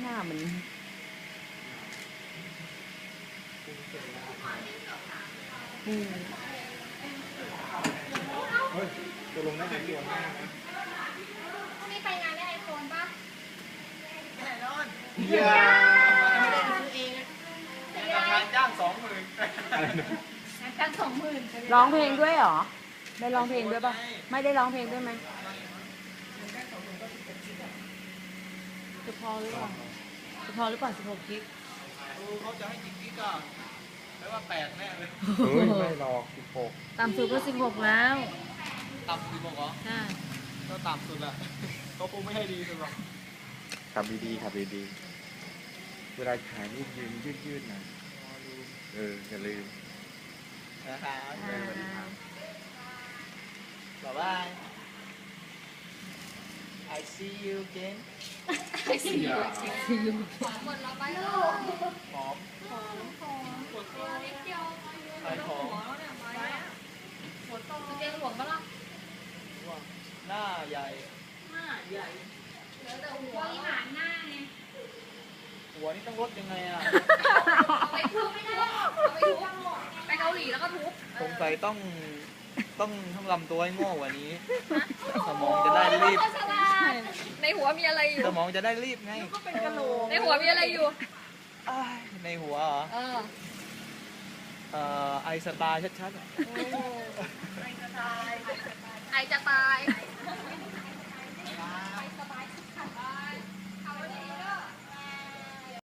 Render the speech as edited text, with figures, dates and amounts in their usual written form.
น้ามันอืมเฮ้ยตัวลงได้ไหมตัวหน้าไหมพรุ่งนี้ไปงานได้ไอโฟนป่ะแน่นอนเยี่ยมไม่ได้ซื้อเองราคาจ้าง20,000อะไรนะงานกัน20,000 ร้องเพลงด้วยเหรอ ได้ร้องเพลงด้วยป่ะ ไม่ได้ร้องเพลงด้วยไหมจะพอหรือเปล่าจะพอหรือเปล่า16 กิกเขาจะให้กี่กิกอ่ะไม่ว่า8แน่เลยเฮ้ยไม่หรอก16 ต่ำสุดก็16แล้วต่ำ16เหรอใช่ก็ต่ำสุดแหละเขาคงไม่ให้ดีสุดหรอกขับดีๆขับดีๆเวลาขายนี่ยืดๆนะอย่าลืมนะครับบ๊ายบาย I see you again หมดแล้วไปลูกหอมตัวเล็กเดียวขายของเตียงหลวงปะล่ะหน้าใหญ่เหลือแต่หัวอีหานหน้าไงหัวนี่ต้องลดยังไงอ่ะเอาไปทุบไม่ได้เอาไปทุบไปเกาหลีแล้วก็ทุบสงสัยต้องทำลำตัวให้โง่กว่านี้ สมองจะได้รีบฉลาดในหัวมีอะไรอยู่สมองจะได้รีบไงในหัวมีอะไรอยู่อ้ายในหัวเหรอ ไอสไตล์ชัดๆอะไอจะตาย